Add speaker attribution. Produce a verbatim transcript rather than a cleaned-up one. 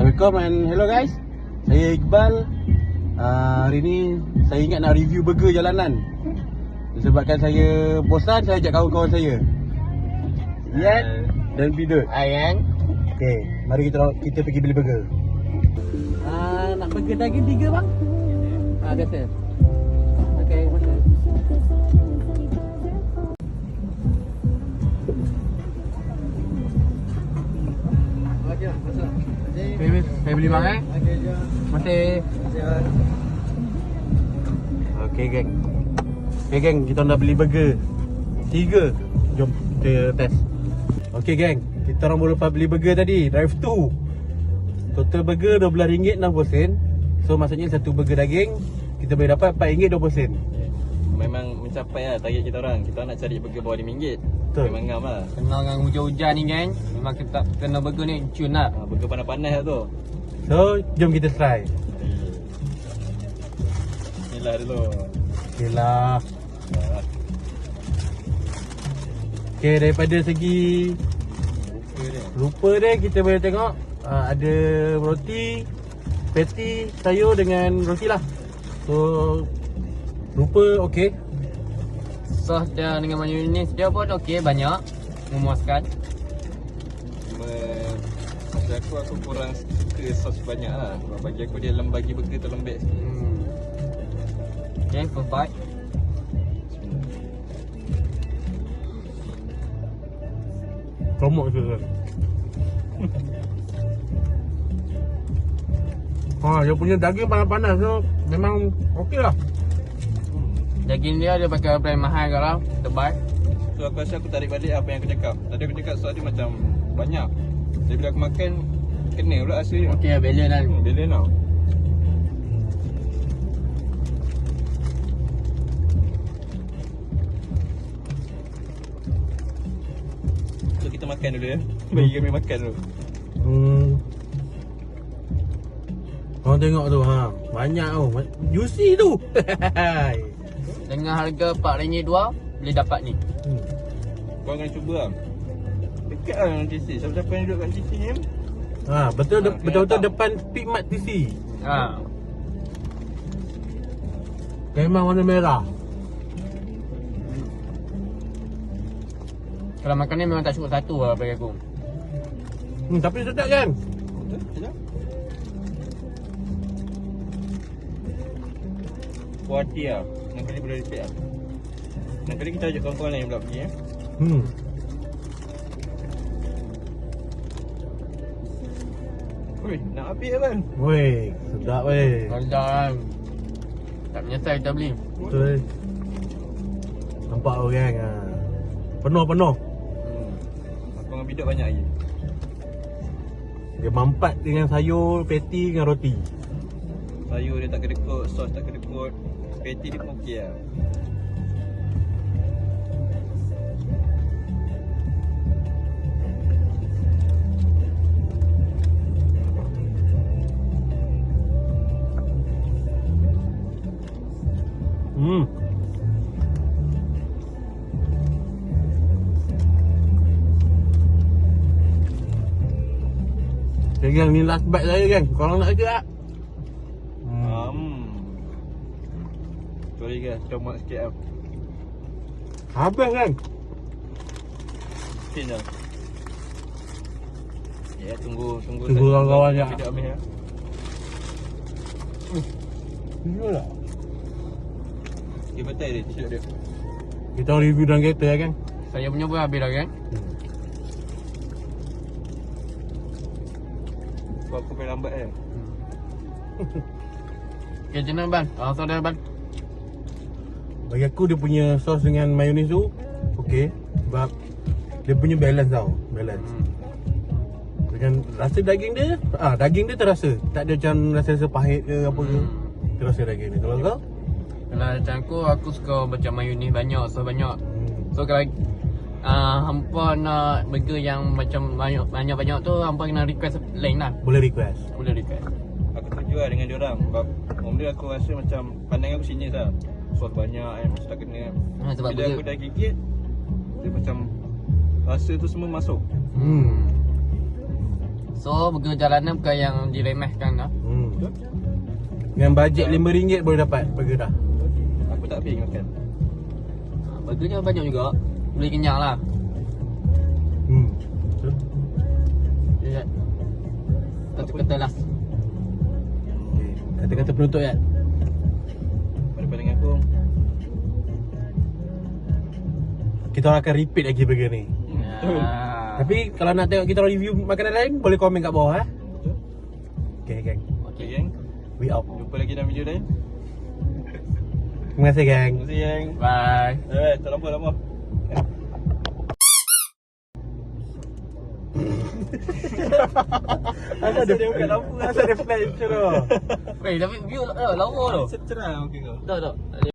Speaker 1: Assalamualaikum and hello guys. Saya Iqbal. uh, Hari ni saya ingat nak review burger jalanan. Disebabkan saya bosan, saya ajak kawan-kawan saya, Ian dan Bidut.
Speaker 2: Ayang.
Speaker 1: Okay, mari kita kita pergi beli burger. uh, Nak burger daging tiga bang? Ah, biasa. Okay, masa.
Speaker 2: Saya, saya beli bang eh. Masih.
Speaker 1: Okay geng. Okay geng, kita nak beli burger tiga. Jom kita test. Okay geng, kita orang baru lepas beli burger tadi, drive thru. Total burger dua belas ringgit enam puluh sen. So maksudnya satu burger daging kita boleh dapat empat ringgit dua puluh sen.
Speaker 3: Memang mencapai lah target kita orang. Kita nak cari burger bawah lima ringgit.
Speaker 1: Betul.
Speaker 3: Memang ngam lah.
Speaker 2: Kenal dengan hujan-hujan ni geng. Memang kita kena burger ni cun lah.
Speaker 3: ha, Burger panas-panas lah tu.
Speaker 1: So jom kita try.
Speaker 3: Inilah dulu.
Speaker 1: Okay lah. Okay, daripada segi
Speaker 3: Rupa dia.
Speaker 1: rupa dia kita boleh tengok uh, ada roti, patty, sayur dengan roti lah. So rupa okey.
Speaker 2: Sos dia dengan mayonnaise dia pun okey, banyak, memuaskan.
Speaker 3: Cuma bagi aku, aku kurang suka sos banyak lah. Sebab bagi aku dia lem bagi burger tu lembek sikit.
Speaker 2: Hmm. Okay, full bite.
Speaker 1: Komok je kan. Ha, dia punya daging panas-panas so memang okey lah.
Speaker 2: Daging dia dia pakai brand mahal kalau tebal.
Speaker 3: So aku rasa aku tarik balik apa yang aku cakap. Tadi aku cakap sos dia macam banyak. Jadi bila aku makan, kena pula rasa dia.
Speaker 2: Okey, balance lah.
Speaker 3: Hmm, balance tau. So kita makan dulu ya. Bagi kami makan dulu.
Speaker 1: Hmm. Korang tengok tu ha, banyak tu, juicy tu.
Speaker 2: Dengan harga empat ringgit dua boleh dapat ni.
Speaker 1: hmm.
Speaker 3: Kau kena cuba lah. Dekat lah dengan T C. Siapa-siapa yang duduk kat T C ni
Speaker 1: Ha, betul de-
Speaker 3: Ha,
Speaker 1: betul-betul
Speaker 3: kena
Speaker 1: depan Pikmat T C.
Speaker 2: Ha.
Speaker 1: Memang warna merah.
Speaker 2: Kalau makan ni memang tak cukup satu lah bagi aku.
Speaker 1: Hmm, tapi sedap kan?
Speaker 3: Betul? Sekejap. Puas hati lah. Nanti kali boleh repeat lah. Nanti kali kita ajak kawan-kawan lain pula pergi eh.
Speaker 1: Hmm.
Speaker 3: Ui, nak habis kan?
Speaker 1: Weh, sedap weh.
Speaker 2: Sedap kan. Tak menyesal kita beli.
Speaker 1: Betul. Nampak orang ha. Penuh-penuh.
Speaker 3: Hmm. Aku dengan Biduk banyak lagi.
Speaker 1: Dia mampat dengan sayur, patty dengan roti.
Speaker 3: Sayur dia tak kedekut, sos tak kedekut. Patty dia pun okey lah.
Speaker 1: Hmm. Okay, gang, ni last bite saya gang. Korang nak ke tak? Hmm.
Speaker 3: Hmm. Sorry guys, comot sikit lah.
Speaker 1: Habis kan?
Speaker 3: Sikit je. Ya, tunggu tunggu
Speaker 1: Tunggu kawan-kawan je.
Speaker 3: Biduk habis ya.
Speaker 1: Betul tak?
Speaker 3: Dia betul dia t-shirt dia.
Speaker 1: Kita review dalam kereta ya kan?
Speaker 2: Saya punya pun habis dah kan.
Speaker 3: Sebab aku main lambat kan.
Speaker 2: Okay, macam mana Ban? Ah, so dah Ban.
Speaker 1: Bagi aku dia punya sos dengan mayonnaise tu okey. Sebab dia punya balance tau. Balance.
Speaker 2: Hmm.
Speaker 1: Dengan rasa daging dia, ah daging dia terasa. Tak ada macam rasa-rasa pahit ke apa ke.
Speaker 2: Hmm.
Speaker 1: Terasa daging dia. Kalau kau?
Speaker 2: Kalau macam aku, aku suka macam mayonnaise banyak, sos banyak.
Speaker 1: Hmm.
Speaker 2: So kalau uh, hampa nak burger yang macam banyak banyak-banyak tu, hampa kena request lain lah.
Speaker 1: Boleh request.
Speaker 2: Boleh request.
Speaker 3: Aku setuju lah dengan diorang. Sebab benda aku rasa macam pandang aku sinis lah. Sos banyak kan, mesti tak kena kan.
Speaker 2: Ha, sebab
Speaker 3: Bila
Speaker 2: burger
Speaker 3: aku dah gigit, dia macam rasa tu semua masuk.
Speaker 1: Hmm.
Speaker 2: So burger jalanan bukan yang diremehkan dah.
Speaker 1: Hmm. Dengan bajet lima ringgit boleh dapat burger dah.
Speaker 3: Aku tak habis makan.
Speaker 2: Burgernya banyak juga. Boleh kenyang lah.
Speaker 1: Hmm.
Speaker 2: Lihat. Kata-kata lah.
Speaker 1: Okay. Kata-kata penutup ya.
Speaker 3: Pada dengan aku.
Speaker 1: Kita orang akan repeat lagi burger ni.
Speaker 3: Betul.
Speaker 2: Ah.
Speaker 1: Tapi kalau nak tengok kita orang review makanan lain, boleh komen kat bawah eh.
Speaker 3: Betul.
Speaker 1: Okay gang.
Speaker 3: Okay, geng.
Speaker 1: We out.
Speaker 3: Jumpa lagi dalam video lain.
Speaker 1: Terima kasih gang.
Speaker 3: Terima kasih, geng.
Speaker 2: Bye.
Speaker 3: Eh, tak lama, lama.
Speaker 1: Asal dia buka lampu, asal dia flash tu.
Speaker 2: Weh, tapi view uh, lawa tu.
Speaker 3: Cerah mungkin kau.
Speaker 2: Tak tak.